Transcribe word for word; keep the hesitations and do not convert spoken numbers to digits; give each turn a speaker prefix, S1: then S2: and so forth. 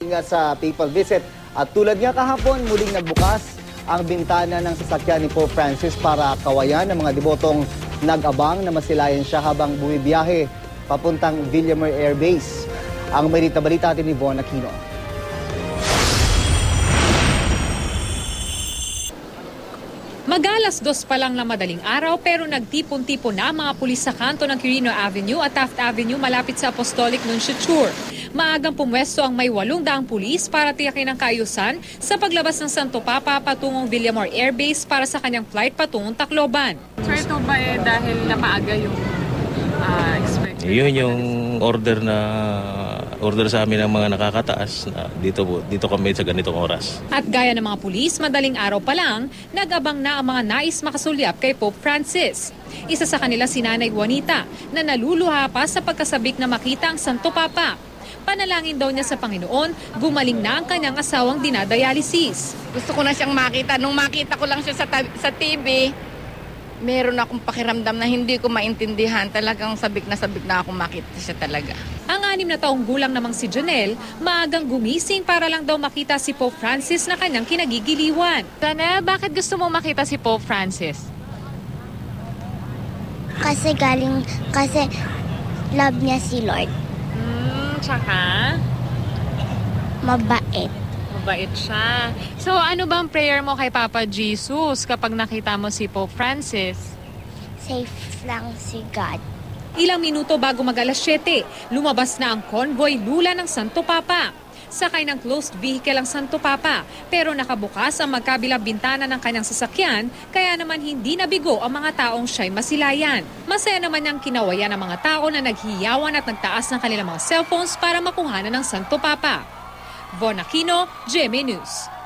S1: nga sa papal visit. At tulad nga kahapon, muling nagbukas ang bintana ng sasakyan ni Pope Francis para kawayan ng mga debotong nag-abang na masilayan siya habang bumibiyahe papuntang Villamor Air Base. Ang may balita natin ni Von Aquino.
S2: Mag-alas dos pa lang na madaling araw pero nagtipon-tipon na ang mga pulis sa kanto ng Quirino Avenue at Taft Avenue malapit sa Apostolic Nunciature. Maagang pumwesto ang may walong daang pulis para tiyakin ang kaayusan sa paglabas ng Santo Papa patungong Villamor Air Base para sa kanyang flight patungong Tacloban.
S3: So ito ba eh dahil na maaga yung uh, expected?
S4: Yun yung order na order sa amin ng mga nakakataas na dito po dito kami sa ganitong oras.
S2: At gaya ng mga pulis, madaling araw pa lang, nag-abang na ang mga nais makasulyap kay Pope Francis. Isa sa kanila si Nanay Juanita na naluluha pa sa pagkasabik na makita ang Santo Papa. Panalangin daw niya sa Panginoon, gumaling na ang kanyang asawang dinadialysis.
S5: Gusto ko na siyang makita. Nung makita ko lang siya sa, sa T V, meron akong pakiramdam na hindi ko maintindihan. Talagang sabik na sabik na akong makita siya talaga.
S2: Ang anim na taong gulang namang si Janelle, maagang gumising para lang daw makita si Pope Francis na kanyang kinagigiliwan.
S3: Janelle, bakit gusto mo makita si Pope Francis?
S6: Kasi galing, kasi love niya si Lord.
S3: Hmm, tsaka?
S6: Mabait.
S3: Mabait siya. So ano bang prayer mo kay Papa Jesus kapag nakita mo si Pope Francis?
S6: Safe lang si God.
S2: Ilang minuto bago mag-alas siyete, lumabas na ang convoy lula ng Santo Papa. Sakay ng closed vehicle ang Santo Papa, pero nakabukas ang magkabilang bintana ng kanyang sasakyan, kaya naman hindi nabigo ang mga taong siya'y masilayan. Masaya naman niyang kinawayan ang mga tao na naghiyawan at nagtaas ng kanilang mga cellphones para makuhanan ng Santo Papa. Von Aquino, G M A News.